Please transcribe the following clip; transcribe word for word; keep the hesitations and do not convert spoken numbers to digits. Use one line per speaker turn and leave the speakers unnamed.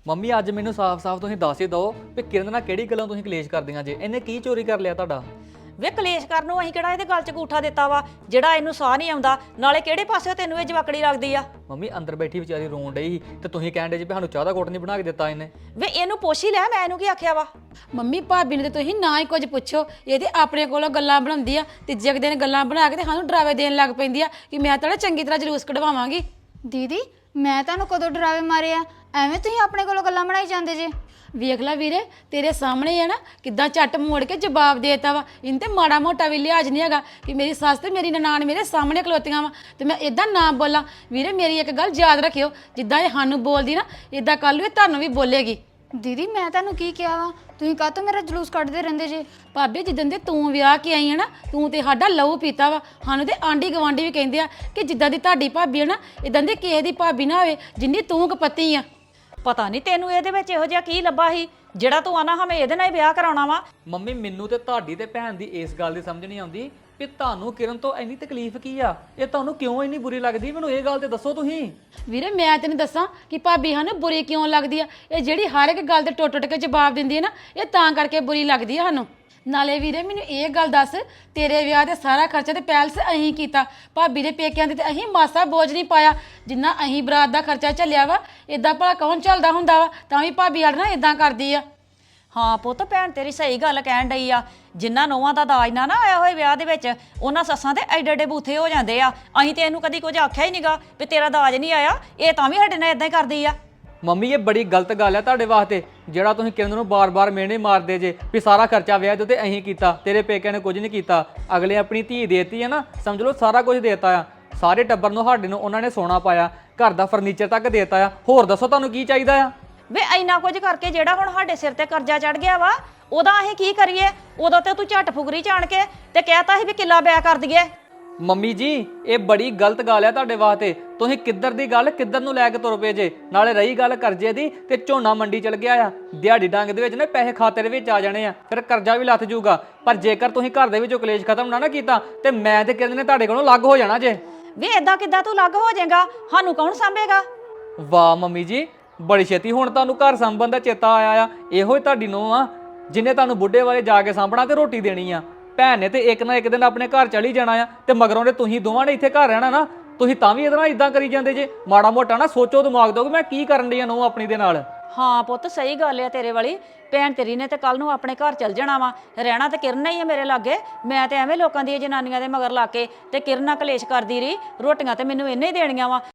Mummy ਅੱਜ ਮੈਨੂੰ ਸਾਫ਼-ਸਾਫ਼ ਤੁਸੀਂ ਦੱਸ ਹੀ ਦਿਓ ਵੀ ਕਿਰਨ ਨਾਲ ਕਿਹੜੀ ਗੱਲਾਂ ਤੁਸੀਂ ਕਲੇਸ਼ ਕਰਦੀਆਂ ਜੇ ਇਹਨੇ ਕੀ ਚੋਰੀ ਕਰ ਲਿਆ ਤੁਹਾਡਾ।
ਵੇ ਕਲੇਸ਼ ਕਰਨ ਨੂੰ ਅਸੀਂ ਕਿਹੜਾ ਇਹਦੇ ਗਲ 'ਚ ਗੂਠਾ ਦਿੱਤਾ ਵਾ ਜਿਹੜਾ ਇਹਨੂੰ ਸਾਹ ਨਹੀਂ ਆਉਂਦਾ। ਨਾਲੇ ਕਿਹੜੇ ਪਾਸੇ ਤੈਨੂੰ ਇਹ ਜਵਾਕੜੀ ਲੱਗਦੀ ਆ?
ਮੰਮੀ ਅੰਦਰ ਬੈਠੀ ਵਿਚਾਰੀ ਰੋਣ ਡਈ ਤੇ ਤੁਸੀਂ ਕਹਿਣ ਡੇ ਜੀ ਵੀ ਸਾਨੂੰ ਚਾਹ ਦਾ ਘੁੱਟ ਨਹੀਂ ਬਣਾ ਕੇ ਦਿੱਤਾ ਇਹਨੇ।
ਵੇ ਇਹਨੂੰ ਪੁੱਛ ਹੀ ਲੈ, ਮੈਂ ਇਹਨੂੰ ਕੀ ਆਖਿਆ ਵਾ।
ਮੰਮੀ ਭਾਬੀ ਨੂੰ ਤੇ ਤੁਸੀਂ ਨਾ ਹੀ ਕੁਝ ਪੁੱਛੋ, ਇਹ ਤੇ ਆਪਣੇ ਕੋਲੋਂ ਗੱਲਾਂ ਬਣਾਉਂਦੀ ਆ ਤੇ ਜਗ ਦਿਨ ਗੱਲਾਂ ਬਣਾ ਕੇ ਤੇ ਸਾਨੂੰ ਡਰਾਵੇ ਦੇਣ ਲੱਗ ਪੈਂਦੀ ਆ ਕਿ ਮੈਂ ਤੁਹਾਡਾ ਚੰਗੀ ਤਰ੍ਹਾਂ ਜਲੂਸ ਕਢਵਾਵਾਂਗੀ।
ਦੀਦੀ ਮੈਂ ਤੁਹਾਨੂੰ ਕਦੋਂ ਡਰਾਵੇ ਮਾਰੇ ਆ? ਐਵੇਂ ਤੁਸੀਂ ਆਪਣੇ ਕੋਲੋਂ ਗੱਲਾਂ ਬਣਾਈ ਜਾਂਦੇ ਜੇ।
ਵੇਖ ਲੈ ਵੀਰੇ, ਤੇਰੇ ਸਾਹਮਣੇ ਆ ਨਾ ਕਿੱਦਾਂ ਝੱਟ ਮੋੜ ਕੇ ਜਵਾਬ ਦੇਤਾ ਵਾ। ਇਹਨੂੰ ਤੇ ਮਾੜਾ ਮੋਟਾ ਵੀ ਲਿਹਾਜ਼ ਨਹੀਂ ਹੈਗਾ ਕਿ ਮੇਰੀ ਸੱਸ ਤੇ ਮੇਰੀ ਨਨਾਣ ਮੇਰੇ ਸਾਹਮਣੇ ਖਲੋਤੀਆਂ ਵਾ ਤੇ ਮੈਂ ਇਦਾਂ ਨਾ ਬੋਲਾਂ। ਵੀਰੇ ਮੇਰੀ ਇੱਕ ਗੱਲ ਯਾਦ ਰੱਖਿਓ, ਜਿੱਦਾਂ ਇਹ ਸਾਨੂੰ ਬੋਲਦੀ ਨਾ ਇਦਾਂ ਕੱਲ ਨੂੰ ਇਹ ਤੁਹਾਨੂੰ ਵੀ ਬੋਲੇਗੀ।
ਦੀਦੀ ਮੈਂ ਤੁਹਾਨੂੰ ਕੀ ਕਿਹਾ ਵਾ? ਤੁਸੀਂ ਕਾਹਤੋਂ ਮੇਰਾ ਜਲੂਸ ਕੱਢਦੇ ਰਹਿੰਦੇ ਜੇ?
ਭਾਬੀ ਜਿੱਦਣ ਦੇ ਤੂੰ ਵਿਆਹ ਕੇ ਆਈ ਹੈ ਨਾ, ਤੂੰ ਤੇ ਸਾਡਾ ਲਹੂ ਪੀਤਾ ਵਾ। ਸਾਨੂੰ ਤੇ ਆਂਢੀ ਗਵਾਂਢੀ ਵੀ ਕਹਿੰਦੇ ਆ ਕਿ ਜਿੱਦਾਂ ਦੀ ਤੁਹਾਡੀ ਭਾਬੀ ਹੈ ਨਾ ਇਦਾਂ ਦੀ ਕਿਸੇ ਦੀ ਭਾਬੀ ਨਾ ਹੋਵੇ ਜਿੰਨੀ ਤੂੰ ਕਪੱਤੀ ਆ।
ਪਤਾ ਨਹੀਂ ਤੈਨੂੰ ਇਹਦੇ ਵਿੱਚ ਇਹੋ ਜਿਹਾ ਕੀ ਲੱਭਾ ਸੀ ਜਿਹੜਾ ਤੂੰ ਆਨਾ ਹਮੇ ਇਹਦੇ ਨਾਲ ਹੀ ਵਿਆਹ ਕਰਾਉਣਾ ਵਾ।
ਮੰਮੀ ਮੈਨੂੰ ਤੇ ਤੁਹਾਡੀ ਤੇ ਭੈਣ ਦੀ ਇਸ ਗੱਲ ਦੀ ਸਮਝ ਨਹੀਂ ਆਉਂਦੀ ਵੀ ਤੁਹਾਨੂੰ ਕਿਰਨ ਤੋਂ ਇੰਨੀ ਤਕਲੀਫ ਕੀ ਆ, ਇਹ ਤੁਹਾਨੂੰ ਕਿਉਂ ਇੰਨੀ ਬੁਰੀ ਲੱਗਦੀ? ਮੈਨੂੰ ਇਹ ਗੱਲ ਤੇ ਦੱਸੋ ਤੁਸੀਂ।
ਵੀਰੇ ਮੈਂ ਤੈਨੂੰ ਦੱਸਾਂ ਕਿ ਭਾਬੀ ਸਾਨੂੰ ਬੁਰੀ ਕਿਉਂ ਲੱਗਦੀ ਆ। ਇਹ ਜਿਹੜੀ ਹਰ ਇੱਕ ਗੱਲ ਤੇ ਟੁੱਟ ਟੁੱਟ ਕੇ ਜਵਾਬ ਦਿੰਦੀ ਹੈ ਨਾ, ਇਹ ਤਾਂ ਕਰਕੇ ਬੁਰੀ ਲੱਗਦੀ ਆ ਸਾਨੂੰ। ਨਾਲੇ ਵੀਰੇ ਮੈਨੂੰ ਇਹ ਗੱਲ ਦੱਸ, ਤੇਰੇ ਵਿਆਹ ਤੇ ਸਾਰਾ ਖਰਚਾ ਤੇ ਪੈਲਸ ਅਸੀਂ ਕੀਤਾ, ਭਾਬੀ ਦੇ ਪੇਕਿਆਂ ਤੇ ਅਸੀਂ ਮਾਸਾ ਬੋਝ ਨਹੀਂ ਪਾਇਆ। ਜਿੰਨਾ ਅਸੀਂ ਬਰਾਤ ਦਾ ਖਰਚਾ ਝੱਲਿਆ ਵਾ ਇਦਾਂ ਭਲਾ ਕੌਣ ਚੱਲਦਾ ਹੁੰਦਾ ਵਾ? ਤਾਂ ਵੀ ਭਾਬੀ ਸਾਡੇ ਨਾਲ ਇਦਾਂ ਕਰਦੀ ਆ।
ਹਾਂ ਪੁੱਤ, ਭੈਣ ਤੇਰੀ ਸਹੀ ਗੱਲ ਕਹਿਣ ਡਈ ਆ। ਜਿਨ੍ਹਾਂ ਨੌਵਾਂ ਦਾ ਦਾਜ ਨਾ ਨਾ ਆਇਆ ਹੋਏ ਵਿਆਹ ਦੇ ਵਿੱਚ, ਉਹਨਾਂ ਸੱਸਾਂ ਤੇ ਐਡੇ ਐਡੇ ਬੂਥੇ ਹੋ ਜਾਂਦੇ ਆ। ਅਸੀਂ ਤੇ ਇਹਨੂੰ ਕਦੀ ਕੁਝ ਆਖਿਆ ਹੀ ਨਹੀਂਗਾ ਵੀ ਤੇਰਾ ਦਾਜ ਨਹੀਂ ਆਇਆ, ਇਹ ਤਾਂ ਵੀ ਸਾਡੇ ਨਾਲ ਇਦਾਂ ਹੀ ਕਰਦੀ ਆ।
ਮੰਮੀ ਇਹ ਬੜੀ ਗਲਤ ਗੱਲ ਆ ਤੁਹਾਡੇ ਵਾਸਤੇ, ਜਿਹੜਾ ਤੁਸੀਂ ਕਿਰਨ ਨੂੰ ਬਾਰ-ਬਾਰ ਮਿਹਣੇ ਮਾਰਦੇ ਜੇ ਵੀ ਸਾਰਾ ਖਰਚਾ ਵਿਆਹ ਦੇ ਉੱਤੇ ਅਸੀਂ ਕੀਤਾ, ਤੇਰੇ ਪੇਕਿਆਂ ਨੇ ਕੁਝ ਨਹੀਂ ਕੀਤਾ। ਅਗਲੇ ਆਪਣੀ ਧੀ ਦੇਤੀ ਆ ਨਾ, ਸਮਝ ਲਓ ਸਾਰਾ ਕੁਝ ਦੇਤਾ ਆ। ਸਾਰੇ ਟੱਬਰ ਨੂੰ ਸਾਡੇ ਨੂੰ ਉਹਨਾਂ ਨੇ ਸੋਨਾ ਪਾਇਆ, ਘਰ ਦਾ ਫਰਨੀਚਰ ਤੱਕ ਦੇਤਾ ਆ। ਹੋਰ ਦੱਸੋ ਤੁਹਾਨੂੰ ਕੀ ਚਾਹੀਦਾ ਆ?
ਵੇ ਇੰਨਾ ਕੁਝ ਕਰਕੇ ਜਿਹੜਾ ਹੁਣ ਸਾਡੇ ਸਿਰ ਤੇ ਕਰਜ਼ਾ ਚੜ ਗਿਆ ਵਾ, ਉਹਦਾ ਅਸੀਂ ਕੀ ਕਰੀਏ? ਉਦੋਂ ਤੇ ਤੂੰ ਝੱਟ ਫੁਗਰੀ ਚਾਣ ਕੇ ਤੇ ਕਹਿਤਾ ਸੀ ਵੀ ਕਿੱਲਾ ਬਿਆ ਕਰ ਦਈਏ।
ਮੰਮੀ ਜੀ ਇਹ ਬੜੀ ਗਲਤ ਗੱਲ ਆ ਤੁਹਾਡੇ ਵਾਸਤੇ। ਤੁਸੀਂ ਕਿੱਧਰ ਦੀ ਗੱਲ ਕਿੱਧਰ ਨੂੰ ਲੈ ਕੇ ਤੁਰ ਪਏ ਜੇ। ਨਾਲੇ ਰਹੀ ਗੱਲ ਕਰਜ਼ੇ ਦੀ, ਤੇ ਝੋਨਾ ਮੰਡੀ ਚਲ ਗਿਆ ਆ, ਦਿਹਾੜੀ ਡੰਗ ਦੇ ਵਿੱਚ ਨਾ ਪੈਸੇ ਖਾਤੇ ਦੇ ਵਿੱਚ ਆ ਜਾਣੇ ਆ, ਫਿਰ ਕਰਜ਼ਾ ਵੀ ਲੱਥ ਜਾਊਗਾ। ਪਰ ਜੇਕਰ ਤੁਸੀਂ ਘਰ ਦੇ ਵਿੱਚੋਂ ਕਲੇਸ਼ ਖਤਮ ਨਾ ਨਾ ਕੀਤਾ ਤੇ ਮੈਂ ਤੇ ਕਿਰਨ ਨੇ ਤੁਹਾਡੇ ਕੋਲੋਂ ਅਲੱਗ ਹੋ ਜਾਣਾ ਜੇ।
ਵੇ ਏਦਾਂ ਕਿੱਦਾਂ ਤੂੰ ਅਲੱਗ ਹੋ ਜਾਏਗਾ? ਸਾਨੂੰ ਕੌਣ ਸਾਂਭੇਗਾ?
ਵਾਹ ਮੰਮੀ ਜੀ, ਬੜੀ ਛੇਤੀ ਹੁਣ ਤੁਹਾਨੂੰ ਘਰ ਸੰਭਣ ਦਾ ਚੇਤਾ ਆਇਆ ਆ। ਇਹੋ ਹੀ ਤੁਹਾਡੀ ਨੂੰਹ ਆ ਜਿਹਨੇ ਤੁਹਾਨੂੰ ਬੁੱਢੇ ਵਾਲੇ ਜਾ ਕੇ ਸਾਂਭਣਾ ਤੇ ਰੋਟੀ ਦੇਣੀ ਆ। ਭੈਣ ਨੇ ਤੇ ਇੱਕ ਨਾ ਇੱਕ ਦਿਨ ਆਪਣੇ ਘਰ ਚਲੀ ਜਾਣਾ ਆ, ਤੇ ਮਗਰੋਂ ਦੇ ਤੁਸੀਂ ਦੋਵਾਂ ਨੇ ਇੱਥੇ ਘਰ ਰਹਿਣਾ ਨਾ। ਤੁਸੀਂ ਤਾਂ ਵੀ ਇਹਦੇ ਨਾਲ ਇਦਾਂ ਕਰੀ ਜਾਂਦੇ ਜੇ। ਮਾੜਾ ਮੋਟਾ ਨਾ ਸੋਚੋ, ਦਿਮਾਗ ਦਿਓ ਕਿ ਮੈਂ ਕੀ ਕਰਨ ਡਈ ਆ ਨੂੰਹ ਆਪਣੀ ਦੇ ਨਾਲ।
ਹਾਂ ਪੁੱਤ ਸਹੀ ਗੱਲ ਆ ਤੇਰੇ ਵਾਲੀ। ਭੈਣ ਤੇਰੀ ਨੇ ਤੇ ਕੱਲ ਨੂੰ ਆਪਣੇ ਘਰ ਚਲ ਜਾਣਾ ਵਾ, ਰਹਿਣਾ ਤੇ ਕਿਰਨ ਹੀ ਆ ਮੇਰੇ ਲਾਗੇ। ਮੈਂ ਤੇ ਐਵੇਂ ਲੋਕਾਂ ਦੀਆਂ ਜਨਾਨੀਆਂ ਦੇ ਮਗਰ ਲਾ ਕੇ ਤੇ ਕਿਰਨ ਨਾਲ ਕਲੇਸ਼ ਕਰਦੀ ਰਹੀ। ਰੋਟੀਆਂ ਤੇ ਮੈਨੂੰ ਇਹਨੇ ਹੀ ਦੇਣੀਆਂ ਵਾ।